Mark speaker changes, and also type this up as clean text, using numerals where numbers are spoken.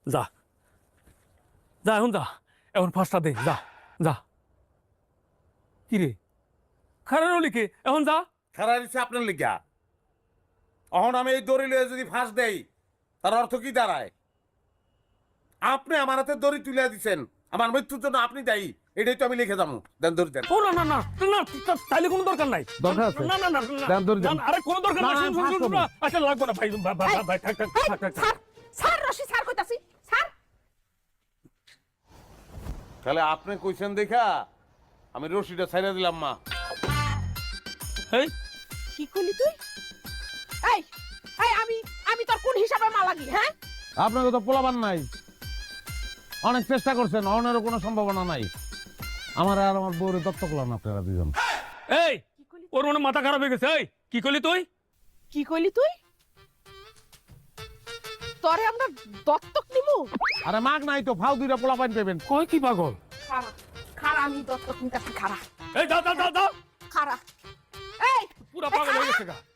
Speaker 1: যা যা এখন যা, এখন ফাঁসটা দে, যা যা। কি রে খারাপ লিখে এখন যা।
Speaker 2: খারাপ দিচ্ছে আপনার লিখা। এখন আমি এই দড়ি লয়ে যদি ফাঁস দেই তার অর্থ কি দাঁড়ায়? আপনি আমার হাতে দড়ি তুলে দিচ্ছেন, আমার মৃত্যুর জন্য আপনি দায়ী, এটাই তো আমি লিখে যাবো। দেন দড়ি দেন।
Speaker 1: ও না না না না, তাইলে কোনো দরকার নাই।
Speaker 3: দরকার আছে?
Speaker 1: না না না
Speaker 3: দেন দড়ি দেন।
Speaker 1: আরে কোনো দরকার নাই।
Speaker 3: না,
Speaker 1: শুন, শুন,
Speaker 3: ফাঁস
Speaker 1: শুন,
Speaker 3: করবো।
Speaker 1: শুন, আচ্ছা লাগবে না ভাই, ভাই থাক থাক থাক থাক থাক।
Speaker 4: স্যার রশি স্যার কইতাছি স্যার।
Speaker 2: তাহলে আপনি কইছেন দেখা আমি রশিটা ছাইড়া দিলাম মা।
Speaker 1: এই
Speaker 4: কি কইলি তুই? এই এই আমি আমি তোর কোন হিসাবে মা লাগি? হ্যাঁ
Speaker 3: আপনাকে তো পোলাবান নাই, অনেক চেষ্টা করছেন, অনেরও কোনো সম্ভাবনা নাই। আমার আর আমার বউরে দত্তক করলাম আপনারা দুজন।
Speaker 1: এই ওর মনে মাথা খারাপ হয়ে গেছে। এই কি করলি তুই?
Speaker 4: কি কইলি তুই? তোরে আমরা দত্তক নিমু?
Speaker 3: আরে মাগ নাই তো, ফাউ দুইটা পোলাপান পেবেন।
Speaker 1: কই কি পাগল?
Speaker 4: খারা খারা আমি দত্তক নিতাছি খারা
Speaker 1: এই যা যা যা যা,
Speaker 4: খারা। এই
Speaker 1: পুরা পাগল হয়ে গেছে গা।